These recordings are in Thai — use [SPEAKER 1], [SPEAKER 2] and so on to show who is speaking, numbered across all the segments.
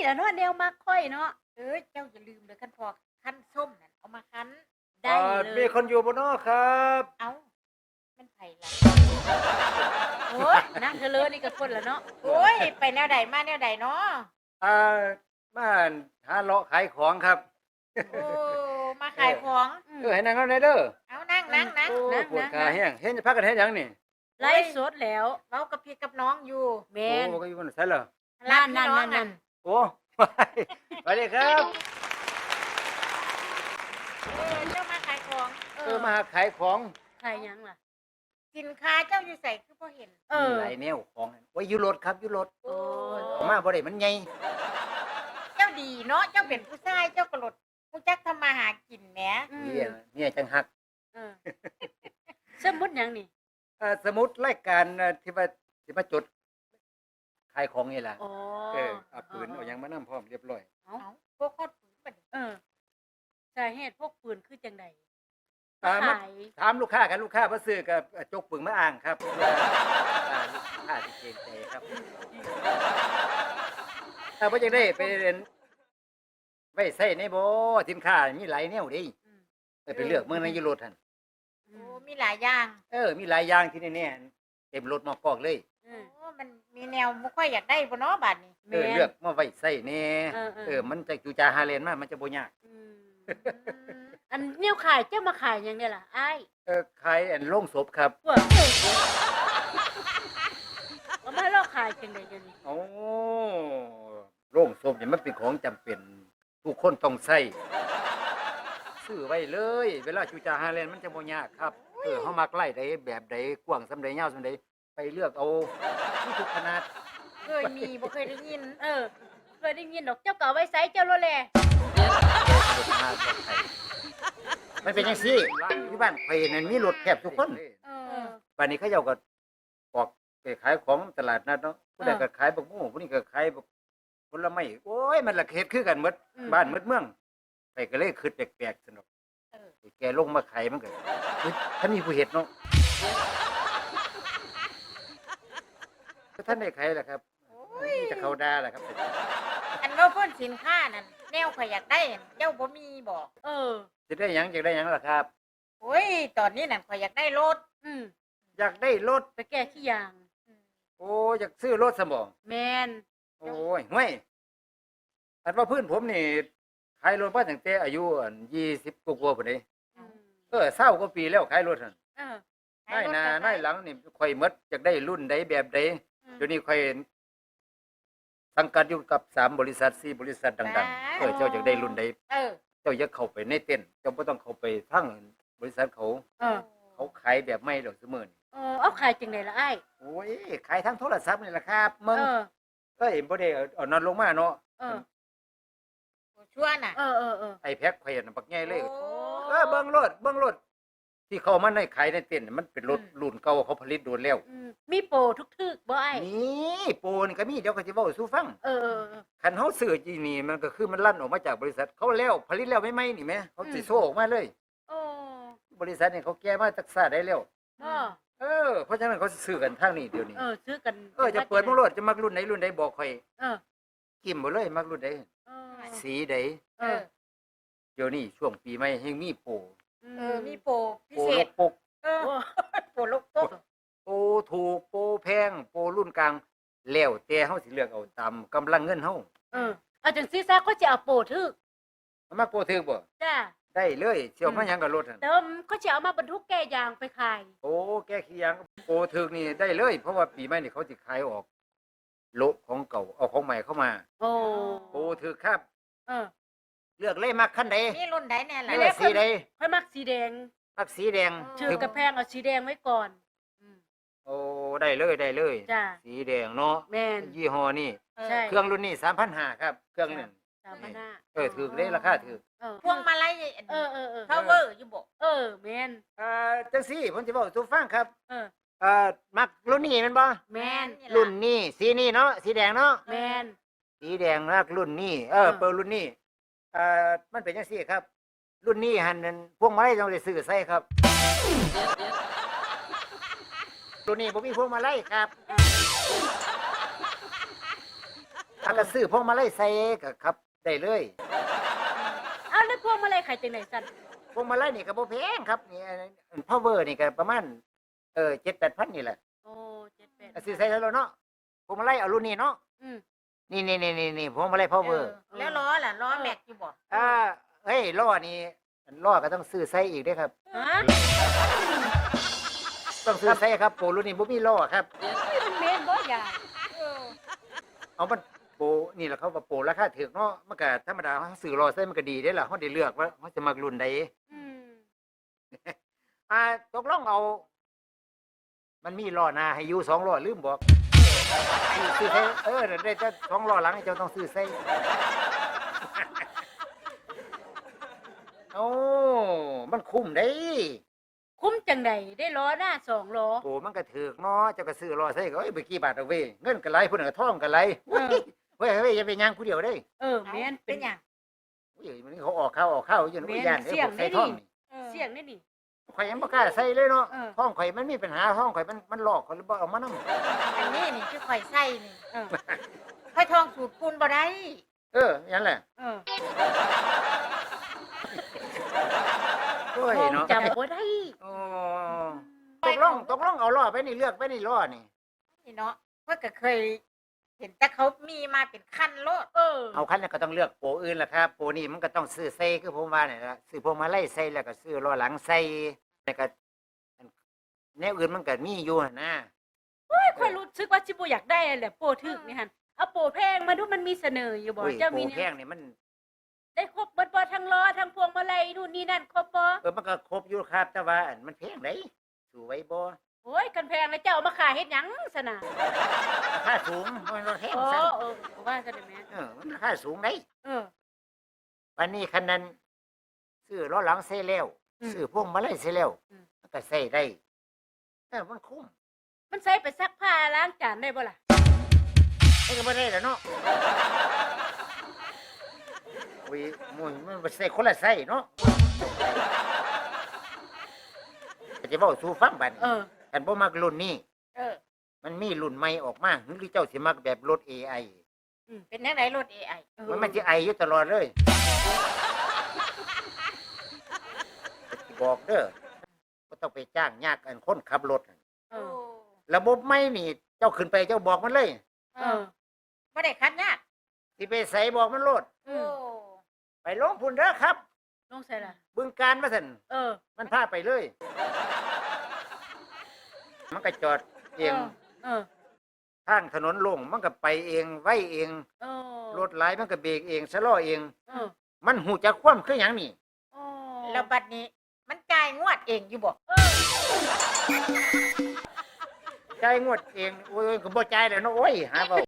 [SPEAKER 1] ล่ะเนาะแนวมักค่อยเนาะ
[SPEAKER 2] เจ้าอย่าลืมเด้อคันพอคั้นส้มนั่นเอามาคั้น
[SPEAKER 1] ได้เล
[SPEAKER 3] มี
[SPEAKER 1] ย
[SPEAKER 3] คนอยู่บ่เนาะครับ
[SPEAKER 2] เอ้ามันไผล่ะ
[SPEAKER 1] โอ้ยนั่งเธอเลยนี่ก็คนละเนาะ
[SPEAKER 2] โอ้ยไปแนวใดมาแนวใดเนาะ
[SPEAKER 3] อ่ามาหาเลาะขายของครับ
[SPEAKER 2] โอ้มาขายของ
[SPEAKER 3] ให้นั่งเอาได้เด้อ
[SPEAKER 2] เอานั่งนั่งนั่ง
[SPEAKER 3] โอ้ปวดขาแห้งเห็นจะพักกันเฮ็ดหยังนี่
[SPEAKER 1] ไล่สดแล้ว
[SPEAKER 2] เว้ากับพี่กับน้องอยู่
[SPEAKER 1] แม่น
[SPEAKER 3] โอ้ก็อยู่บนไสเหรอ
[SPEAKER 1] นั่น
[SPEAKER 3] โอ้ไปเลยครับ
[SPEAKER 2] เจ้ามาขายของ
[SPEAKER 3] มาหาขายของ
[SPEAKER 1] ใครยังล่ะ
[SPEAKER 2] สินค้าเจ้าอยู่ใส่คือบ่เห็น
[SPEAKER 3] หลายแนวของไว้อยู่รถครับอยู่รถ
[SPEAKER 2] โอ้
[SPEAKER 3] เอามาบ่ได้มันใหญ่
[SPEAKER 2] เจ้าดีเนาะเจ้าเป็นผู้ชายเจ้าก็ลดรู้จักทำมาหากินแหม
[SPEAKER 3] เนี่ยจังฮัก
[SPEAKER 1] สมมุติหยังนี่
[SPEAKER 3] สมุดรายการที่มาจดขายของนี่ล่ะเอาปืนเอาหยังมานำพร้อมเรียบร้อย
[SPEAKER 2] เอ้าพวกเขาปืนบัด
[SPEAKER 1] สาเหตุพวกปืนคือจังได๋
[SPEAKER 3] ถามลูกค้ากันลูกค้าบ่ซื้อก็จกปึงมาอ้างครับลูกค้าที่เกรงใจครับถ้าบ่จังได้ไปเรียนไว้ใช้ในบ่สินค้ามีหลายแนวเด้ไปเลือกเมืองในอยู่รถหั่น
[SPEAKER 2] โอ้มีหลายอย่าง
[SPEAKER 3] มีหลายอย่างที่แน่ๆเต็มรถมากอกเลย
[SPEAKER 2] มันมีแนวบ่ค่อยอยากได้บ่เนาะบัดนี้
[SPEAKER 3] เลือกมาไว้ใช้แน่มันจะจูจาหาเลนมามันจะบ่ยาก
[SPEAKER 1] อันแนวขายเจ้ามาขายหยังเนี่ยล่ะอ้าย
[SPEAKER 3] ขายโรงศพครับ
[SPEAKER 1] เอามาลอกขายจังได๋เดี๋ยวนี้
[SPEAKER 3] โอ้โรงศพนี่มันเป็นของจำเป็นทุกคนต้องใช้ซื้อไว้เลยเวลาจูจาหาเลนมันจะบ่ยากครับเฮามักไล่ใดแบบใดกว้างส่ำใดยาวส่ำใดไปเลือกเอาที่ทุกขนาด
[SPEAKER 2] เคยมีบ่เคยได้ยิน
[SPEAKER 1] เคยได้ยินดอกเจ้าก็เอาไว้ใช้เจ้าโลแล
[SPEAKER 3] มันเป็นจังซี่อยู่บ้านข่อยนั่นมีรถแทบทุกคนบัดนี้เขาเจ้าก็ออกไปขายของตลาดนัดเนาะผู้ใดก็ขายบักหมูผู้นี้ก็ขายบักผลไม้โอ้ยมันละเฮ็ดคือกันหมดบ้านหมดเมืองไปก็เลยคิดแปลกๆซั่นดอกแกลงมาขายมันก็ท่านมีผู้เฮ็ดเนาะท่านได้ขายล่ะครับจะเข้าด่าล่ะครับ
[SPEAKER 2] อันว่าเพิ่นสินค้านั่นแนวข่อยอยากได้เจ้าบ่มีบ่
[SPEAKER 3] จะได้หยังอยากได้หยังล่ะครับ
[SPEAKER 2] โอ้ยตอนนี้นั่นข่อยอยากได้รถ
[SPEAKER 3] อยากได้รถ
[SPEAKER 1] ไปแก้ขี้ยาง
[SPEAKER 3] โอ้อยากซื้อรถซะบ่
[SPEAKER 1] แม่น
[SPEAKER 3] โอ้ยห้วยอันว่าพื้นผมนี่ขายรถมาตั้งแต่อายุ20กว่าๆพุ่นเด้20กว่าปีแล้วขายรถนั่นนายหน้านายหลังนี่ค่อยหมดอยากได้รุ่นใดแบบใดเดี๋ยวนี้ค่อยสังกัดอยู่กับ3บริษัท4บริษัทดังๆเจ้าอยากได้รุ่นใดเจ้าอย่าเข้าไปในเต็นท์เจ้าบ่ต้องเข้าไปทางบริษัทเขาขายแบบใหม่ดอกซุมื้อนี้
[SPEAKER 1] เอาขายจังได๋ล่ะอ้าย
[SPEAKER 3] โอ้ยขายทางโทรศัพท์นี่ล่ะครับมึงบ่ได้เอานอนลงมาเนาะ
[SPEAKER 2] ชั่วน่ะ
[SPEAKER 3] ไอ้แพ็คข่อยน่ะบักใหญ่เลยเบิ่งรถที่เขามาในขายในเต็นท์มันเป็นรถรุ่นเก่าเขาผลิตโดนแล้ว
[SPEAKER 1] มีโปรทุกทึกบ่อ้าย
[SPEAKER 3] นี่โปรนี่ก็มีเดี๋ยวก็สิเว้าสู่ฟังคันเฮาซื้อจีนี่มันก็คือมันลั่นออกมาจากบริษัทเขาแล้วผลิตแล้วใหม่ๆนี่แหมเขาสิโซออกมาเลยบริษัทนี่เขาแก้มาจักษาได้แล้วเพราะฉะนั้นเขาซื้อกันทางนี้เดี๋ยวนี้
[SPEAKER 1] ซื้อกัน
[SPEAKER 3] จะเปิดเบิ่งรถจะมักรุ่นไหนบอกข่อยกิ้มบ่เลยมักรุ่นใดสีใดเดี๋ยวนี้ช่วงปีใหม่แฮงมีโปร
[SPEAKER 2] มีโปรพิเศษ
[SPEAKER 3] ปก
[SPEAKER 2] โปรลูกปก
[SPEAKER 3] โปรถูกโปรแพงโปรรุ่นกลางแล้วแต่เฮาสิเลือกเอาตามกำลังเงินเฮา
[SPEAKER 1] เอาจังซี่ซะเขาจะเอาโปรทึก
[SPEAKER 3] มักโปรทึกบ่
[SPEAKER 1] จ้ะ
[SPEAKER 3] ได้เลยสิเอามาหยังกับรถหั่น
[SPEAKER 1] เขาจะเอามาบรรทุกแก้ยางไปขาย
[SPEAKER 3] โอ้แก้ขี้ยางโปรทึกนี่ได้เลยเพราะว่าปีใหม่นี่เขาสิขายออกโละของเก่าเอาของใหม่เข้ามาโปรทึกครับเลือกเลยมักคันใด
[SPEAKER 2] มีรุ่นใดแน่ล่ะ
[SPEAKER 3] สีใด
[SPEAKER 1] ค่อยมักสีแดง
[SPEAKER 3] มักสีแดง
[SPEAKER 1] ชื่อกระแพงเอาสีแดงไว้ก่อน
[SPEAKER 3] โอ้ได้เลย
[SPEAKER 1] จ้ะ
[SPEAKER 3] สีแดงเนาะ
[SPEAKER 1] แม่น
[SPEAKER 3] ยี่ห้อนี่เครื่องรุ่นนี้ 3,500 ครับเครื่องนึง 3,500ถูกได้ราคาถูก
[SPEAKER 2] พวงมาลัยcover อยู่บ่
[SPEAKER 1] แม่น
[SPEAKER 3] จังซี่ผมสิเว้าสู่ฟังครับมักรุ่นนี้แม่นบ่
[SPEAKER 1] แม่น
[SPEAKER 3] รุ่นนี้สีนี้เนาะสีแดงเนาะ
[SPEAKER 1] แม่น
[SPEAKER 3] สีแดงมักรุ่นนี้เปิดรุ่นนี้มันเป็นจังซี่ครับรุ่นนี้หั่นนั่นพวงมาลัยต้องได้ซื้อใส่ครับรุ่นนี้บ่มีพวงมาลัยครับถ้าก็ซื้อพวกมาไล่ใส่ก็ครับได้เลย
[SPEAKER 1] เอาแล้วพวงมาลัยขายจังไหนสั่น
[SPEAKER 3] พวกมาไล่นี่ก็บ่แพงครับนี่power นี่ก็ประมาณ7-8,000นี่แหละ
[SPEAKER 1] โอ้7-8
[SPEAKER 3] ก็ซื้อใส่แล้วเนาะพวกมาไล่เอารุ่นนี้เนาะ
[SPEAKER 1] อืม
[SPEAKER 3] นี่พวกมาไล่ power
[SPEAKER 2] แล้วล้อล่ะล้อแม็กอยู่บ่
[SPEAKER 3] เฮ้ยล้อนี่ล้อก็ต้องซื้อใส่อีกเด้อครับ
[SPEAKER 1] ฮะ
[SPEAKER 3] ต้องซื้อใส่ครับโปรรุ่นนี้บ่มีล้อครับ
[SPEAKER 1] มันเมนบ่ยาย
[SPEAKER 3] เอามันโปรนี่แหละเขาว่าโปรราคาถูกเนาะมันก็ธรรมดาเขาซื้อล้อใส่มันก็ดีเด้ล่ะเขาได้เลือกว่าเขาจะมักรุ่นใด
[SPEAKER 1] อืม
[SPEAKER 3] ตกลงเอา มันมีล้อหน้าให้อยู่2ล้อลืมบอกซื้อใส่ได้แต่2ล้อหลังเจ้าต้องซื้อใส่ โอ้มันคุ้มได้
[SPEAKER 1] คุ้มจังไดได้ล้อหน้า2ล้อ
[SPEAKER 3] โอ้มันก็ถูกเนาะเจ้าก็ซื้อล้อใส่ก็ไปกี่บาทเอาเว้ยเงินก็ไหลพุ่นก็ทองก็ไหลเฮ้ยอย่าไปย่างผู้เดียวเด้
[SPEAKER 1] แม่น
[SPEAKER 2] เป็นหยัง
[SPEAKER 3] เฮ้ยมันเขาออกข้าวอยู่นะย่านเด้ใส่ทองนี่
[SPEAKER 1] เสียงนี่นี่
[SPEAKER 3] ข่อยยังบ่กล้าใส่เลยเนาะ
[SPEAKER 1] เออ
[SPEAKER 3] ท้องข่อยมันมีปัญหาท้องข่อยมันหลอกข่อยเลยบ่เอามานำ
[SPEAKER 2] อันนี้นี่คือข่อยใส่นี่
[SPEAKER 1] เออ
[SPEAKER 2] ข่อยทองสูตรปูนบ่ได้
[SPEAKER 3] นั่นแหละ
[SPEAKER 1] เออ
[SPEAKER 3] โอ้ย
[SPEAKER 1] ท้อง
[SPEAKER 3] เนาะ
[SPEAKER 1] จำบ่ได้
[SPEAKER 3] โอ้ตกลงเอาล้อไปนี่เลือกไปนี่ล้อนี่
[SPEAKER 2] นี่เนาะเพิ่นก็เคย เห็นแต่เขามีมาเป็นคันโลด
[SPEAKER 3] เอาคันนั้นก็ต้องเลือกโปรอื่นล่ะครับโปรนี่มันก็ต้องซื้อใส่คือผมว่าเนี่ยล่ะซื้อพวงมาลัยใส่แล้วก็ซื้อล้อหลังใส่แล้วก็แนวอื่นมันก็มีอยู่หั่นนะ
[SPEAKER 1] ค่อยรู้สึกว่าสิบ่อยากได้แหละโปรถึกนี่หั่นเอาโปรแพงมาดูมันมีเสนออยู่บ่
[SPEAKER 3] โอ้ย
[SPEAKER 1] เจ้า
[SPEAKER 3] โปร
[SPEAKER 1] มี
[SPEAKER 3] แพงนี่มัน
[SPEAKER 1] ได้ครบเบิดบ่ทั้งล้อทั้งพวงมาลัยนู่นนี่นั่นครบบ่
[SPEAKER 3] มันก็ครบอยู่ครับแต่ว่าอันมันแพงได้สู้ไหว้บ่
[SPEAKER 1] โอ้ยกันแพงแล้วเจ้าเอามาขายเฮ็ดหยังซะน่ะ
[SPEAKER 3] ราคาสูงมันบ่แพง
[SPEAKER 1] โอ้
[SPEAKER 3] ซั่น
[SPEAKER 1] ว่าซะได้แม่
[SPEAKER 3] มันราคาสูงได้
[SPEAKER 1] เออ
[SPEAKER 3] วันนี้คันนั้นซื้อล้อหลังใส่แล้ว
[SPEAKER 1] อืม
[SPEAKER 3] ซื้อพวงมาลัยใส่แล้ว
[SPEAKER 1] อืม
[SPEAKER 3] มันก็ใส่ได้มันคุ้ม
[SPEAKER 1] มันใส่ไปซักผ้าล้างจานได้บ่ล่ะ
[SPEAKER 3] ไอ้ก็บ่ได้แล้วเนาะโอ้ยมันบ่ใส่คนละใส่เนาะจะเว้าสู่ฟังบัดนี้ กันบ่มักรุ่นนี้
[SPEAKER 2] เออ
[SPEAKER 3] มันมีรุ่นใหม่ออกมาหรือเจ้าสิมักแบบรถ AI
[SPEAKER 2] เป็นจังไดรถ AI
[SPEAKER 3] มันสิไออยู่ตลอดเลยบอกเด้อบ่ต้องไปจ้างยากอันคนขับรถน่ะ
[SPEAKER 1] เออ
[SPEAKER 3] ระบบใหม่นี่เจ้าขึ้นไปเจ้าบอกมันเลย
[SPEAKER 1] เออ
[SPEAKER 2] บ่ได้คัดยาก
[SPEAKER 3] สิไปใส่บอกมันโลด
[SPEAKER 1] อื
[SPEAKER 2] โอ้
[SPEAKER 1] ม
[SPEAKER 3] ไปลงพุ่นเด้อครับ
[SPEAKER 1] ลงใส่ล่ะ
[SPEAKER 3] บึงการว่าซั่น
[SPEAKER 1] เออ
[SPEAKER 3] มันพาไปเลย มันก็จอดเอง
[SPEAKER 1] เออ
[SPEAKER 3] ทางถนนโล่งมันก็ไปเองไว้เอง
[SPEAKER 1] เออ
[SPEAKER 3] รถหลายมันก็เบรกเองชะลอเอง
[SPEAKER 1] เออ
[SPEAKER 3] มันหูจักความคือหยังนี่
[SPEAKER 1] โอ้
[SPEAKER 2] แล้วบัดนี้ มันจ่ายงวดเองอยู่บ่
[SPEAKER 1] เออ
[SPEAKER 3] จ่ายงวดเองโอ้ยก็บ่จ่ายแล้วเนาะโอ้ยหาเว้า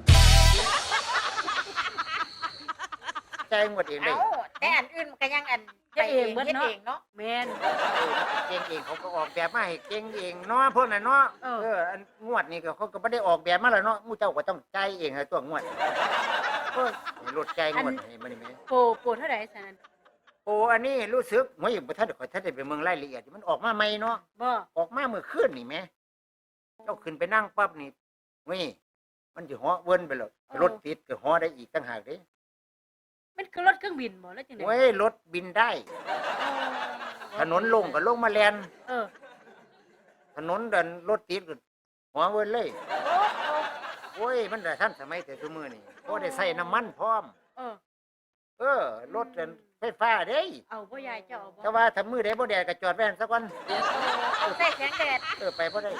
[SPEAKER 3] จ่ายงวดเองได้
[SPEAKER 2] เอ้าแต่อันอื่นมันก็ยังอันไปเองเฮ็ดเองเนาะ
[SPEAKER 1] แม่น
[SPEAKER 3] เก่งเองเขาก็ออกแบบมาให้เก่งเองเนาะพวกนั้นเนาะ
[SPEAKER 1] เออ
[SPEAKER 3] อันงวดนี่ก็เขาก็บ่ได้ออกแบบมาแล้วเนาะหมู่เจ้าก็ต้องจ่ายเองให้ตัวงวดเออให้รถจ่ายงวดให้มันนี่แหม
[SPEAKER 1] โปรเท่าไหร่ซะนั่น
[SPEAKER 3] โอ้อันนี้รู้สึกโอ้ยบ่ทันได้ขอยทันได้ไปเมืองรายละเอียดมันออกมาใหม่เนาะ
[SPEAKER 1] บ่
[SPEAKER 3] ออกมาเมื่อคืนนี่แหมเจ้าขึ้นไปนั่งปั๊บนี่เว้ยมันสิเหาะเวิ้นไปแล้วรถติดก็เหาะได้อีกต่างหากเด้
[SPEAKER 1] มันคือรถเครื่องบินบ่แล้วจังได๋
[SPEAKER 3] เว้ยรถบินได้ ถนนโล่งก็ลงมาแล่น
[SPEAKER 1] เออ
[SPEAKER 3] ถนนเดินรถติดก็หัวเวิ้นเลย
[SPEAKER 1] โอ้
[SPEAKER 3] โอ้ยมันได้ทันสมัยแต่ซุมื้อนี่บ่ได้ใส่น้ำมันพร้อม
[SPEAKER 1] เออ
[SPEAKER 3] เออรถไฟฟ้าเด้
[SPEAKER 1] เอาบ่ยายเจ้าเอาบ่
[SPEAKER 3] แต่ว่าถ้ามื้อใดบ่แดดก็จอดไว้หั่นซะก่อน
[SPEAKER 2] ต้องใส่แสงแดด
[SPEAKER 3] ไปบ่ได้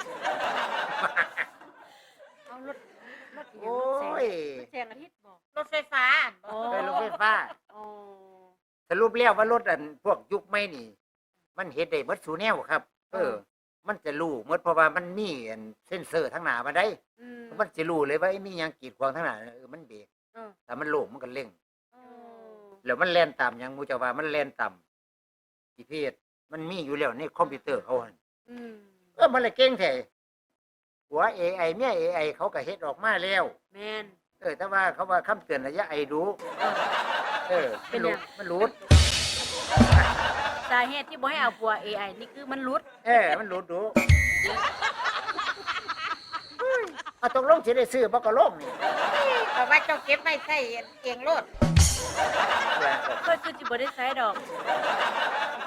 [SPEAKER 1] เอารถอีหยัง
[SPEAKER 3] โอ้
[SPEAKER 1] รถแสง
[SPEAKER 3] ย
[SPEAKER 1] รถแสงอาทิตย์บ่
[SPEAKER 2] รถไฟฟ้าอันบ่
[SPEAKER 1] อ๋อ
[SPEAKER 3] รถไฟฟ้า
[SPEAKER 1] อ๋อ
[SPEAKER 3] สรุปแล้วว่ารถพวกยุคใหม่นี่ มันเฮ็ดได้หมดสูแนวครับ มันจะรู้หมดเพราะว่ามันมีเซ็นเซอร์ทั้งหน้ามาได้
[SPEAKER 1] อืม
[SPEAKER 3] มันจะรู้เลยว่ามีหยังกีดขวางทั้งหน้ามันเบรก
[SPEAKER 1] เออ
[SPEAKER 3] ถ้ามันโล่งมันก็เร่ง
[SPEAKER 1] เออ
[SPEAKER 3] แล้วมันแล่นตามหยังหมู่เจ้าว่ามันแล่นต่ำ GPS มันมีอยู่แล้วในคอมพิวเตอร์เขาหั่น
[SPEAKER 1] อืม
[SPEAKER 3] มันเลยเก่งแท้หัว AI เมีย AI เขาก็เฮ็ดออกมาแล้ว
[SPEAKER 1] แม่น
[SPEAKER 3] แต่ว่าเขาว่าคำเตือนระยะไอรู้
[SPEAKER 1] เป็นหยัง
[SPEAKER 3] มันรู้
[SPEAKER 1] สาเหตุที่บ่ให้เอาปัว AI นี่คือมันหลุด
[SPEAKER 3] มันรู้ดูเอาตกลงสิได้ซื้อบ่ก็ลงนี่
[SPEAKER 2] เพราะว่าเจ้าเก็บไม่ใช่เองโลด
[SPEAKER 3] แรงก็
[SPEAKER 1] เพิ่นคือสิบ่ได้ใช้ดอก